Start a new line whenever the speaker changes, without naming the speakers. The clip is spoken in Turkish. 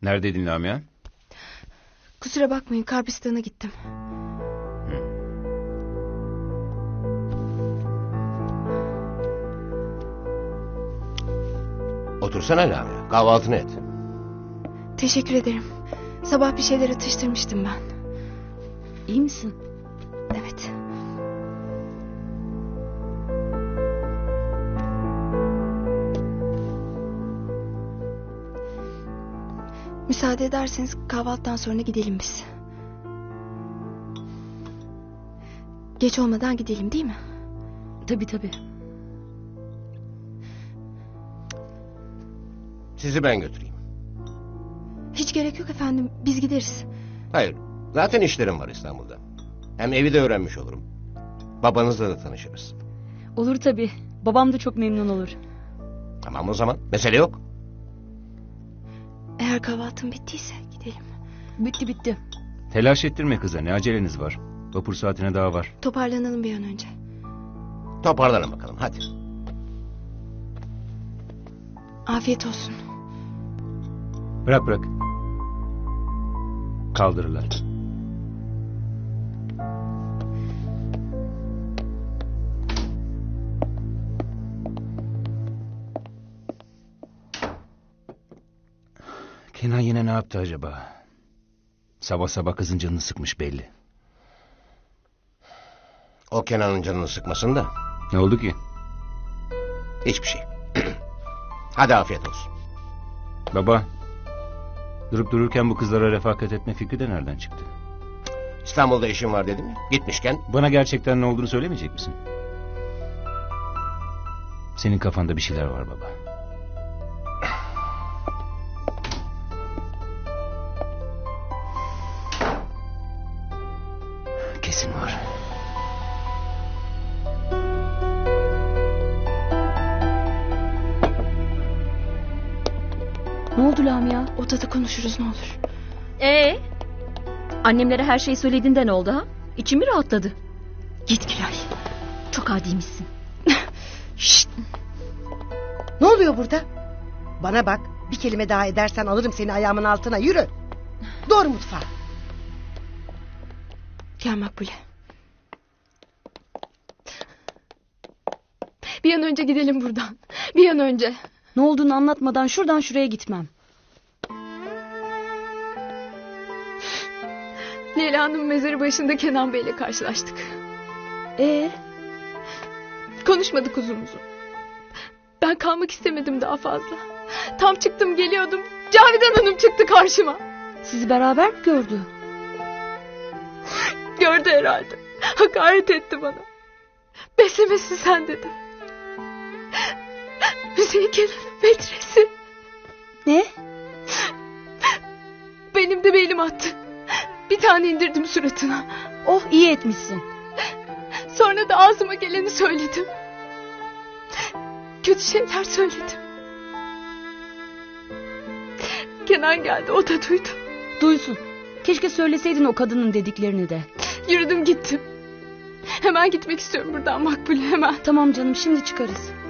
Neredeydin Lamia?
Kusura bakmayın, Karpistan'a gittim.
Otursana Lamia. Kahvaltını et.
Teşekkür ederim. Sabah bir şeyler atıştırmıştım ben.
İyi misin?
Evet. Müsaade ederseniz kahvaltıdan sonra gidelim biz. Geç olmadan gidelim, değil mi?
Tabii.
Sizi ben götüreyim.
Hiç gerek yok efendim, biz gideriz.
Hayır. Zaten işlerim var İstanbul'da. Hem evi de öğrenmiş olurum. Babanızla da tanışırız.
Olur tabii. Babam da çok memnun olur.
Tamam o zaman. Mesele yok.
Eğer kahvaltın bittiyse gidelim.
Bitti.
Telaş ettirme kıza, ne aceleniz var? Vapur saatine daha var.
Toparlanalım bir an önce.
Toparlanın bakalım hadi.
Afiyet olsun.
Bırak. Kaldırırlar. Kenan yine ne yaptı acaba? Sabah sabah kızın canını sıkmış belli.
O Kenan'ın canını sıkmasın da.
Ne oldu ki?
Hiçbir şey. Hadi afiyet olsun.
Baba, durup dururken bu kızlara refakat etme fikri de nereden çıktı?
İstanbul'da işim var dedim ya. Gitmişken.
Bana gerçekten ne olduğunu söylemeyecek misin? Senin kafanda bir şeyler var baba. Kesin var.
Ne oldu Lamia?
Odada konuşuruz ne olur.
Annemlere her şeyi söylediğinde ne oldu ha? İçim mi rahatladı?
Git Gülay.
Çok adiymişsin.
Şşt.
Ne oluyor burada? Bana bak, bir kelime daha edersen alırım seni ayağımın altına, yürü. Doğru mutfağa.
Gel Makbule. Bir an önce gidelim buradan. Bir an önce.
Ne olduğunu anlatmadan şuradan şuraya gitmem.
Leyla'nın mezarı başında Kenan Bey'le karşılaştık. Konuşmadık uzun uzun. Ben kalmak istemedim daha fazla. Tam çıktım geliyordum. Cavidan Hanım çıktı karşıma.
Sizi beraber mi gördü?
Gördü herhalde. Hakaret etti bana. Beslemesin sen dedi. Hüseyin Kenan'ın metresi.
Ne?
Benim de belim attı. Bir tane indirdim suratına.
Oh, iyi etmişsin.
Sonra da ağzıma geleni söyledim. Kötü şeyler söyledim. Kenan geldi, o da duydu.
Duysun. Keşke söyleseydin o kadının dediklerini de.
Yürüdüm gittim. Hemen gitmek istiyorum buradan Makbule, hemen.
Tamam canım, şimdi çıkarız.